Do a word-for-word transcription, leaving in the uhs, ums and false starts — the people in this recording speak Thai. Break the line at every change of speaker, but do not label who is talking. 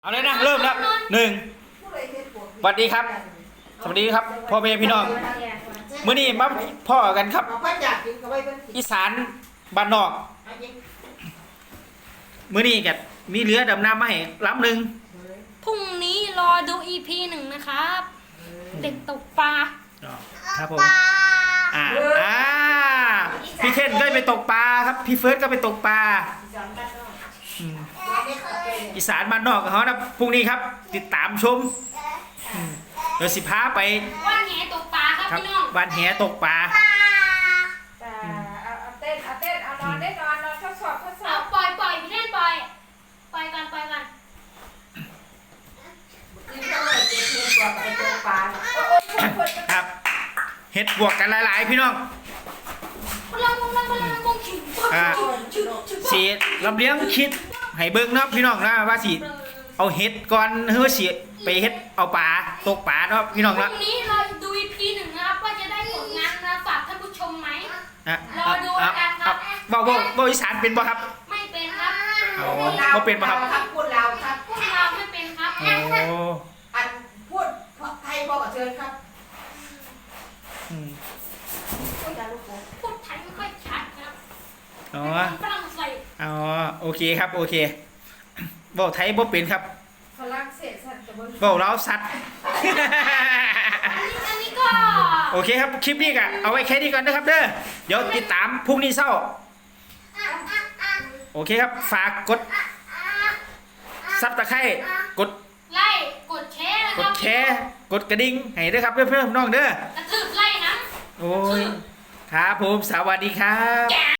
เอาเลยนะเริ่มแล้วหนึ่งสวัสดีครับสวัสดีครับพ่อแม่พี่น้องมื้อนี้มาพ่อกันครับอีสานบ้านนอกมื้อนี้กันมีเรือดำน้ำมาให้ลำหนึ่ง
พรุ่งนี้รอดู อี พี หนึ่งนะครับเด็กตกปลา
ครับผมอ่าอ่าพี่เท่นก็ไปตกปลาครับพี่เฟิร์สก็ไปตกปลาอีสานบ้านนอกของเขานะพรุ่งนี้ครับติดตามชมเดี๋ยวสิพาไป
วันแหตกปลาครับพี่น้อง
วันแหตกปลา
เอาเต้นเอาเต้นเอานอนได้นอนนอนทดสอบทดสอบ
ปล่อยปล่อยพี่เล่นปล่อยปล่อยกันปล่อยกัน
ครับเห็ดบวกกันหลายๆพี่น้อง
พลังพลังพลังมงขิง
สีลำเลี้ยงคิดให้เบิ้งนะพี่น้องนะว่าสิเอาเห็ดก่อนเฮ้ยสิไปเห็ดเอาปลาตกปลาเนาะพี่น้อง
พ
นะ
รุ่งนี้เราดู อี พี หนึ่งนะครับว่าจะได้ผลงานนะฝากท่านผู้ชมไหมรอดูกันครับ
บอกบอกบอกอีสานเป็นป่ะครับ
ไม่เป็นครับ
เขาเป็นป่ะครับ
พูดเราครับ
พูดเราไม่เป็นครับ
โอ้
อันพูดไทยบอกกับเชิญครับ
พูดไทยไม่ค่อยชัดครับ
อ๋อ
ฝรั่งเศส
อ๋อโอเคครับโอเคบอกไทยบอกเป็นครับ
ฝรั่งเศสสัตว์กับ
บอกเราสัตว์
อันนี้ก็
โอเคครับคลิปนี้ก็เอาไว้แค่นี้ก่อนนะครับเด้อเดี๋ยวติดตามพรุ่งนี้เช้าโอเคครับฝากกดซับตะไคร้กด
ไล่กดแชร์นะค
ก
รั
ด
บ
แชร์กดกระดิ่งให้ด้วยครับเพื่อนๆน้องเด้อก
ระทืบไล่นะ
โอ้ยครับผมสวัสดีครับ